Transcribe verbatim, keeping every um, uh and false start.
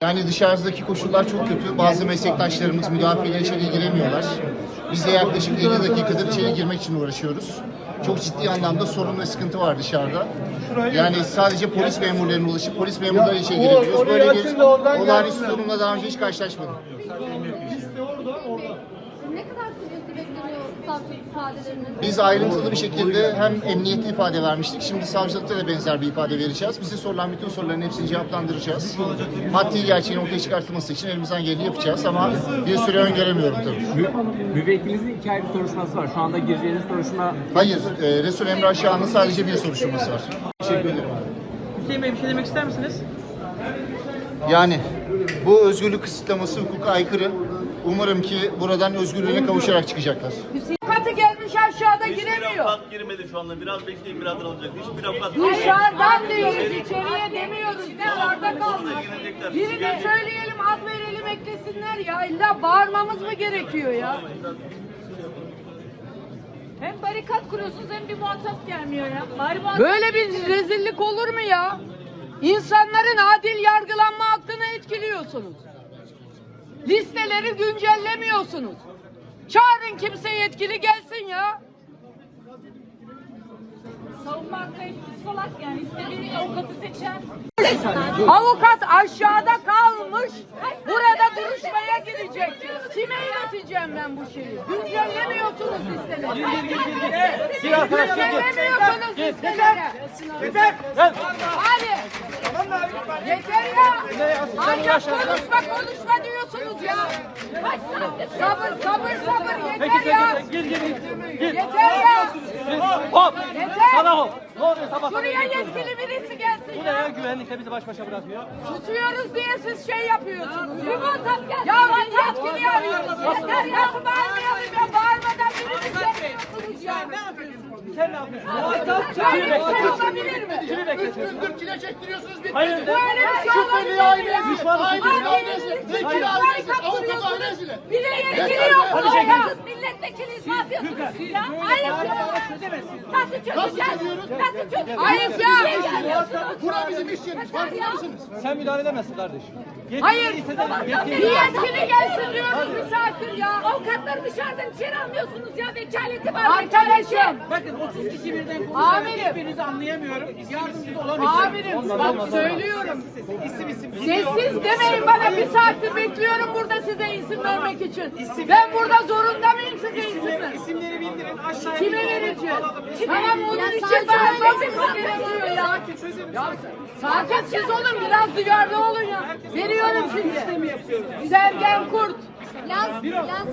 Yani dışarıdaki koşullar çok kötü. Bazı meslektaşlarımız müdafiyle içeri giremiyorlar. Biz de yaklaşık elli dakikadır içeri girmek için uğraşıyoruz. Çok ciddi anlamda sorun ve sıkıntı var dışarıda. Yani sadece polis memurlarına ulaşıp polis memurları içeri girebiliyoruz. Böyle bir olağanüstü durumla daha önce hiç karşılaşmadım. Ne kadar süresi bekleniyor savcılık ifadelerinin? Biz ayrıntılı bir şekilde hem emniyetli ifade vermiştik. Şimdi savcılıkta da benzer bir ifade vereceğiz. Bize sorulan bütün soruların hepsini cevaplandıracağız. Maddi gerçeğin ortaya çıkartılması için elimizden geleni yapacağız ama bir süre öngöremiyorum tabii. Mü müvekkilinizin iki ayrı soruşturması var. Şu anda gireceğiniz soruşturma... Hayır, e, Resul Emre Aşağı'nın sadece bir soruşturması var. Teşekkür ederim. Hüseyin Bey bir şey demek ister misiniz? Yani bu özgürlük kısıtlaması hukuka aykırı. Umarım ki buradan özgürlüğüne kavuşarak çıkacaklar. Avukatı gelmiş aşağıda giremiyor. Avukat girmedi şu anda. Biraz bekleyin, birazdan olacak. Hiçbir avukat... Dışarıdan diyoruz, içeriye demiyoruz. Dışarıda kalmış. Birine söyleyelim, ad verelim, eklesinler ya. İlla bağırmamız mı gerekiyor ya? Hem barikat kuruyorsunuz hem bir muhatap gelmiyor ya. Bari muhatap... Böyle bir rezillik olur mu ya? İnsanların adil yargılanma hakkını etkiliyorsunuz. Listeleri güncellemiyorsunuz. Çağırın kimse yetkili gelsin ya. Savunma hakkı salak yani. İstediği avukatı seçer. Avukat aşağıda kalmış. Burada duruşmaya girecek. Kime ileteceğim ben bu şeyi? Güncellemiyorsunuz listeleri. Güncellemiyorsunuz listeleri. Hadi. Yeter ya. Ancak konuşma konuşma diyorsunuz ya. Sabır sabır sabır yeter ya. Yeter ya. Hop! Yeter. Sana hop! Ne oluyor sabah? Şuraya yetkili birisi gelsin Bu ne ya? ya. Güvenlikle bizi baş başa bırakıyor. Susuyoruz diye siz şey yapıyorsunuz. Bir muhatap gelsin. Ya ben yetkili arıyoruz. Yeter ya. Nasıl bağırmayalım ya? Bağırmadan birini çekmiyorsunuz ya. Ne yapıyorsun? Sen ne yapıyorsun? Böyle bir şey olabilir mi? Kimi bekletiyorsun? Gündür çile çektiriyorsunuz bir. Hayır. Böyle bir şey olabilir mi ya? Düşmanı Ailenin vekili barikat kuruyorsunuz. Bir de yetkili yok. Hadi çekin. Siz milletvekiliyiz, ne yapıyorsunuz siz ya? Ayıp ya. Nasıl çözeceğiz? Nasıl çözeceğiz? Ayıp ya. Bura bizim iş yerimiz. Farkında mısınız? Sen müdahale edemezsin kardeşim. Hayır. Yetkili Bir yetkili gelsin diyoruz bir saattir ya. Avukatları dışarıdan içeri almıyorsunuz ya. Vekaleti var. Arkadaşım. Bakın otuz kişi birden konuşuyor. Amirim. Hiçbirinizi anlayamıyorum. Yardımcı olamıyorum. Amirim bak söylüyorum. İsim isim. Sessiz demeyin bana, bir saattir bekliyorum burada size isim vermek için. Ben burada zorunda mıyım size isim ver? İsimleri bildirin. Aşağıya Kime vereceğim? Tamam bunun için bağırmamız gerekiyor ya. Ya sakin siz olun, biraz duyarlı olun ya. Veriyorum şimdi. Sergen Kurt. Laz, Laz